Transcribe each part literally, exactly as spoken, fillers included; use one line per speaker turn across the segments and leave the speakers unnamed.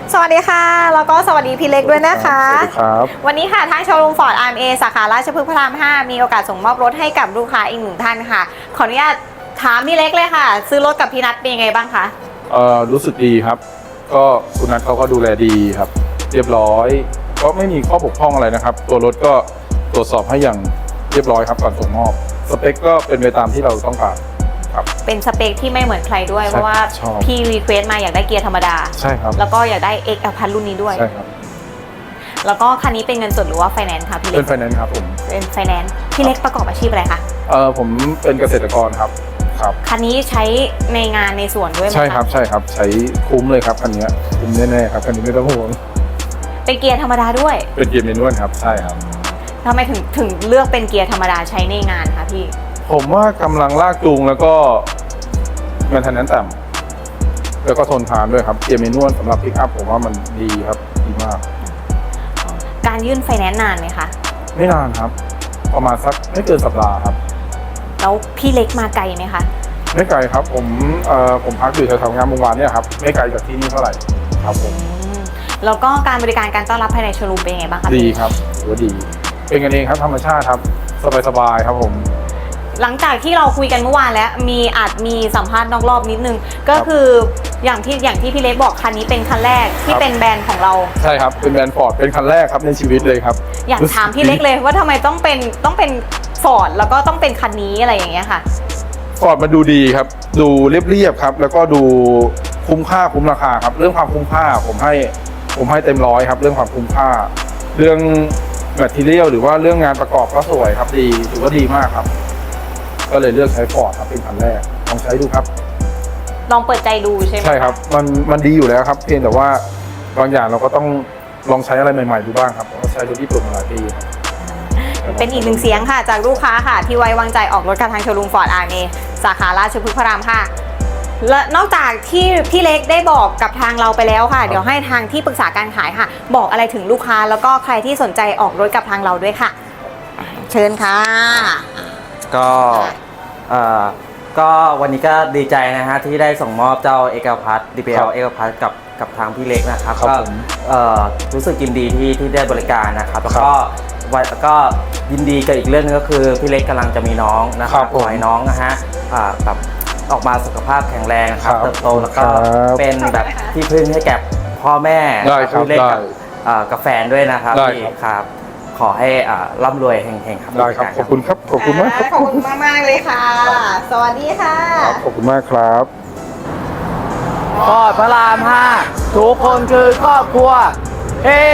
สวัสดีค่ะแล้วก็สวัสดีพี่เล็กด้วยนะคะ
สวัสดีครับ
วันนี้ค่ะทางโชว์รูมฟอร์ด อาร์ เอ็ม เอ สาขาราชพฤกษ์พระรามห้ามีโอกาสส่งมอบรถให้กับลูกค้าอีกหนึ่งท่านค่ะขออนุญาตถามพี่เล็กเลยค่ะ ซื้อรถกับพี่นัทเป็นยังไงบ้างคะ
เอ่อรู้สึกดีครับก็คุณนัทเขาก็ดูแลดีครับเรียบร้อยก็ไม่มีข้อบกพร่องอะไรนะครับตัวรถก็ตรวจสอบให้อย่างเรียบร้อยครับก่อนส่งมอบสเปคก็เป็นไปตามที่เราต้องการครับ
เป็นสเปคที่ไม่เหมือนใครด้วยเพราะว่าพี่รีเควสต์มาอยากได้เกียร์ธรรมดา
ใช่ครับ
แล้วก็อยากได้ X อพันรุ่นนี้ด้วย
ใช่ครับ
แล้วก็คันนี้เป็นเงินสดหรือว่าไฟแนนซ์ค่ะพี่เล็ก
เป็นไฟแนนซ์ครับผม
เป็นไฟแนนซ์พี่เล็กประกอบอาชีพอะไรคะ
เอ่อผมเป็นเกษตรกรครับครับ
คันนี้ใช้ในงานในสวนด้วยไหมคะ
ใช่ครับใช่ครับใช้คุ้มเลยครับคันนี้คุ้มแน่ๆครับคันนี้ไม่ต้องห่วง
เป็นเกียร์ธรรมดาด้วย
เป็นเกียร์เมนวลครับใช่ครับ
ทำไมถึงถึงเลือกเป็นเกียร์ธรรมดาใช้ในงานคะพี่
ผมว่ากำลังลากจูงแล้วก็แมนเทนแนนซ์ต่ำแล้วก็ทนทานด้วยครับเกียร์เมนวลสำหรับปิกอัพผมว่ามันดีครับดีมาก
การยื่นไฟแนนซ์นานไหมคะ
ไม่นานครับประมาณสักไม่เกินสัปดาห์ครับ
แล้วพี่เล็กมาไกลไหมคะ
ไม่ไกลครับผมเอ่อผมพักอยู่แถวๆงานวงวานเนี่ยครับไม่ไกลจากที่นี่เท่าไหร่ครับผม
แล้วก็การบริการการต้อนรับภายในโชว์รูมเป็นยังไงบ้างคะ
ดีครับถือว่าดีเป็นกันเองครับธรรมชาติครับสบายๆครับผม
หลังจากที่เราคุยกันเมื่อวานแล้วมีอาจมีสัมภาษณ์นอกรอบนิดนึงก็คืออย่างที่อย่างที่พี่เล็กบอกคันนี้เป็นคันแรกที่เป็นแบรนด์ของเรา
ใช่ครับเป็นแบรนด์ฟอร์ดเป็นคันแรกครับในชีวิตเลยครับ
อยากถามพี่เล็กเลยว่าทำไมต้องเป็นต้องเป็นฟอร์ดแล้วก็ต้องเป็นคันนี้อะไรอย่างเงี้ยค่ะ
ฟอร์ดมันดูดีครับดูเรียบๆครับแล้วก็ดูคุ้มค่าคุ้มราคาครับเรื่องความคุ้มค่าผมให้ผมให้เต็มร้อยครับเรื่องความคุ้มค่าเรื่องแมททีเรียลหรือว่าเรื่องงานประกอบก็สวยครับดีถือว่าดีมากครับก็เลยเลือกใช้ฟอร์ดครับเป็นคันแรกลองใช้ดูครับ
ลองเปิดใจดูใช่ไหม
ใช่ครับมันมันดีอยู่แล้วครับเพียงแต่ว่าบางอย่างเราก็ต้องลองใช้อะไรใหม่ๆดูบ้างครับผมก็ใช้รถญี่ปุ่นมาหลายปี
เป็นอีกหนึ่งเสียงค่ะจากลูกค้าค่ะที่ไว้วางใจออกรถกับทางโชว์รูมฟอร์ด อาร์ เอ็ม เอ สาขาราชพฤกษ์พระรามห้าและนอกจากที่พี่เล็กได้บอกกับทางเราไปแล้วค่ะเดี๋ยวให้ทางที่ปรึกษาการขายค่ะบอกอะไรถึงลูกค้าแล้วก็ใครที่สนใจออกรถกับทางเราด้วยค่ะเชิญค่ะ
ก็เอ่อก็วันนี้ก็ดีใจนะฮะที่ได้ส่งมอบเจ้า เอ็กซ์ แอล Plus ดี พี แอล เอ็กซ์ แอล Plus กับกับทางพี่เล็กนะครับก็เอ่อรู้สึกยินดีที่ที่ได้บริการนะครับแล้วก็แล้วก็ยินดีกับอีกเรื่องนึงก็คือพี่เล็กกำลังจะมีน้องนะครับขอให้น้องนะฮะแบบออกมาสุขภาพแข็งแรงครับเติบโตแล้วก็เป็นแบบที่พึ่งให้แก่พ่อแม่พี่เล็กกับกับแฟนด้วยนะครับพี่ครับขอให้ร่ำรวยเฮงๆครับ
ได้ครับขอบคุณครับขอบคุณมาก
ขอบคุณมากมากเลยค่ะสวัสดีค่ะ
ขอบคุณมากครับ
ฟอร์ดพระรามห้าทุกคนคือครอบครัวเฮ้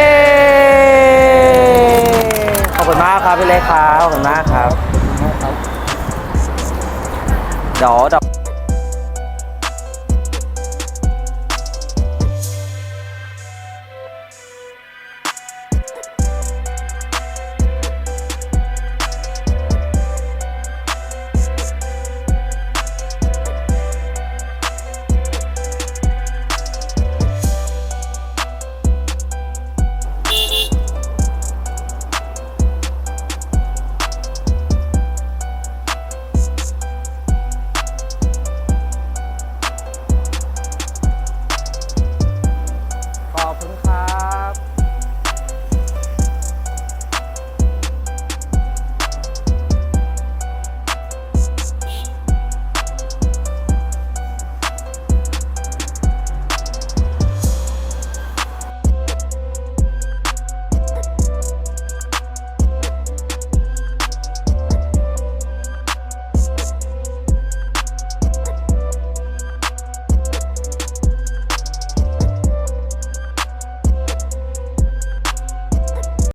ขอบคุณมากครับพี่เล็กครับขอบคุณมากครับเดี๋ยว